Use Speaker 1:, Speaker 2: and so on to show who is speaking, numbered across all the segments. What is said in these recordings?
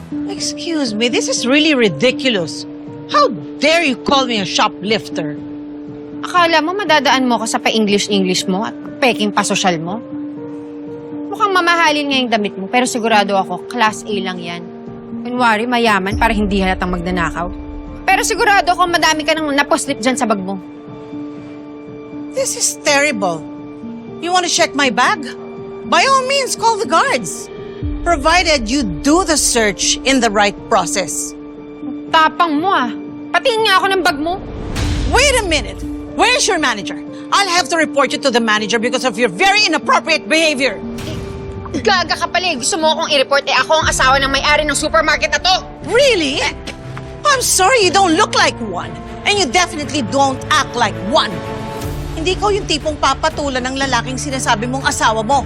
Speaker 1: Excuse me, this is really ridiculous. How dare you call me a shoplifter?
Speaker 2: Akala mo madadaan mo ko sa pa-English mo at peking pa-sosyal mo? Mukhang mamahalin nga yung damit mo, pero sigurado ako, Class A lang yan. Kunwari, mayaman para hindi halatang magnanakaw. Pero sigurado ako, madami ka nang naposlip dyan sa bag mo.
Speaker 1: This is terrible. You want to check my bag? By all means, call the guards. Provided you do the search in the right process.
Speaker 2: Tapang mo ah. Patingin nga ako ng bag mo.
Speaker 1: Wait a minute. Where's your manager? I'll have to report you to the manager because of your very inappropriate behavior.
Speaker 2: Gaga ka pala eh. Gusto mo akong i-report eh. Ako ang asawa ng may-ari ng supermarket na to.
Speaker 1: Really? I'm sorry, you don't look like one. And you definitely don't act like one. Hindi ko yung tipong papatulan ng lalaking sinasabi mong asawa mo.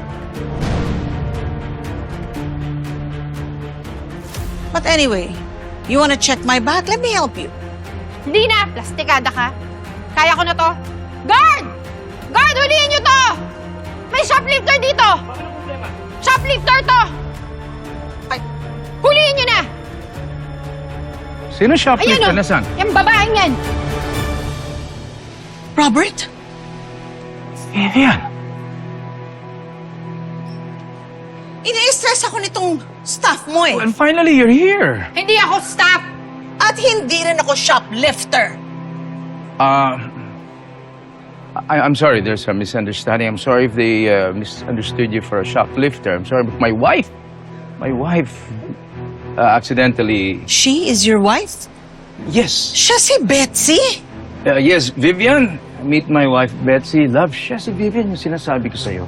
Speaker 1: But anyway, you wanna check my bag? Let me help you.
Speaker 2: Hindi na. Plastikada ka. Kaya ko na to. Guard! Guard, huliin niyo to! May shoplifter dito! Shoplifter to!
Speaker 1: Ay.
Speaker 2: Huliin niyo na!
Speaker 3: Sino shoplifter?
Speaker 2: Ayan,
Speaker 3: Nasaan?
Speaker 2: Yung babaeng yan!
Speaker 1: Robert?
Speaker 3: Vivian.
Speaker 1: Ini-stress ako nitong staff mo eh.
Speaker 3: Well, finally, you're here.
Speaker 2: Hindi ako staff!
Speaker 1: At hindi rin ako shoplifter.
Speaker 3: I'm sorry, there's a misunderstanding. I'm sorry if they misunderstood you for a shoplifter. I'm sorry, but my wife accidentally...
Speaker 1: She is your wife?
Speaker 3: Yes.
Speaker 1: Siya si Betsy?
Speaker 3: Yes, Vivian. Meet my wife, Betsy. Love, siya si Vivian, yung sinasabi ko sa'yo.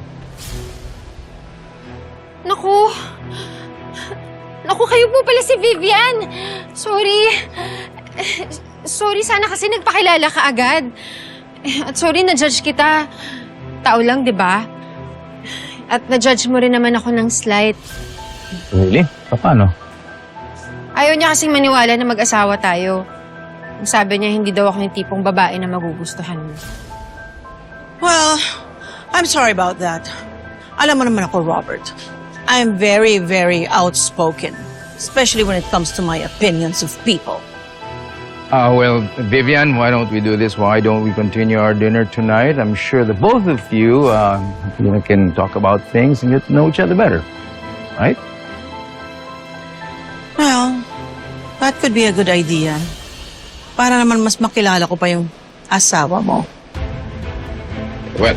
Speaker 2: Naku. Naku, kayo po pala si Vivian. Sorry. Sorry, sana kasi nagpakilala ka agad. At sorry, na-judge kita. Tao lang, di ba? At na-judge mo rin naman ako ng slight.
Speaker 3: Really? Paano?
Speaker 2: Ayaw niya kasing maniwala na mag-asawa tayo. Sabi niya, hindi daw ako yung tipong babae na magugustuhan mo.
Speaker 1: Well, I'm sorry about that. Alam mo naman ako, Robert. I'm very, very outspoken. Especially when it comes to my opinions of people.
Speaker 3: Well, Vivian, why don't we do this? Why don't we continue our dinner tonight? I'm sure the both of you can talk about things and get to know each other better. Right?
Speaker 1: Well, that could be a good idea. Para naman mas makilala ko pa yung asawa mo.
Speaker 3: Well.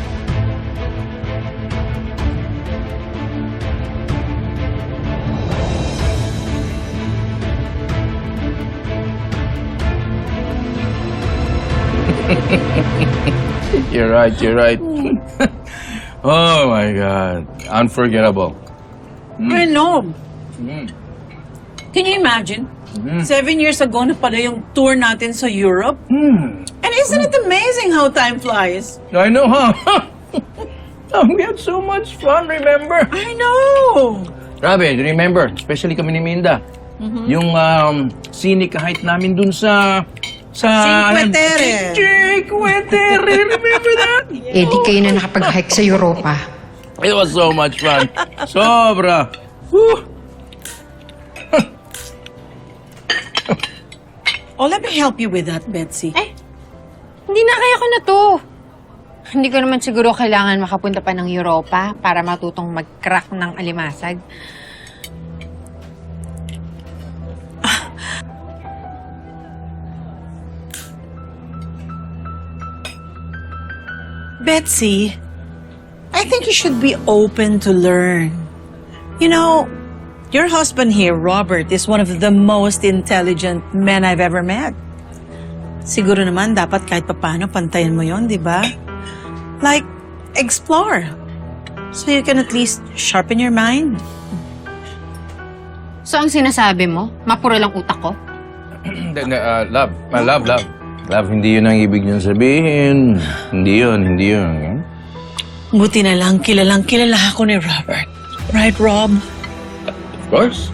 Speaker 3: You're right, you're right. Oh my God. Unforgettable.
Speaker 4: I know. Can you imagine? 7 years ago na pala yung tour natin sa Europe. And isn't it amazing how time flies?
Speaker 3: I know, huh? We had so much fun, remember?
Speaker 4: I know.
Speaker 3: Grabe, remember, especially kami ni Minda. Yung scenic height namin dun sa...
Speaker 1: Cinque Terre.
Speaker 3: Cinque Terre, remember that?
Speaker 2: Eh, di kayo na nakapag-hike sa Europa.
Speaker 3: It was so much fun. Sobra. Whew.
Speaker 4: Oh, let me help you with that, Betsy.
Speaker 2: Hindi na kaya ko na to. Hindi ko naman siguro kailangan makapunta pa ng Europa para matutong mag-crack ng alimasag.
Speaker 1: Betsy, I think you should be open to learn. You know, your husband here, Robert, is one of the most intelligent men I've ever met. Siguro naman dapat kahit papano pantayan mo yon, di ba? Like, explore. So you can at least sharpen your mind.
Speaker 2: So, ang sinasabi mo, mapuro lang utak ko?
Speaker 3: Love, hindi yun ang ibig niyong sabihin. Hindi yun.
Speaker 1: Buti na lang, kilalang kilala ako ni Robert. Right, Rob?
Speaker 3: Of course.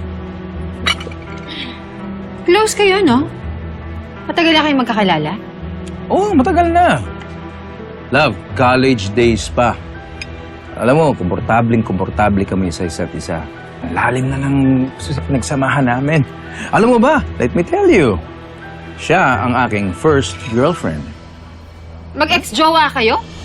Speaker 2: Close kayo, no? Matagal na kayo magkakilala?
Speaker 3: Oo, matagal na. Love, college days pa. Alam mo, komportable kami sa isa't isa. Lalim na ng pinagsamahan namin. Alam mo ba, let me tell you, siya ang aking first girlfriend.
Speaker 2: Mag-ex-jowa kayo?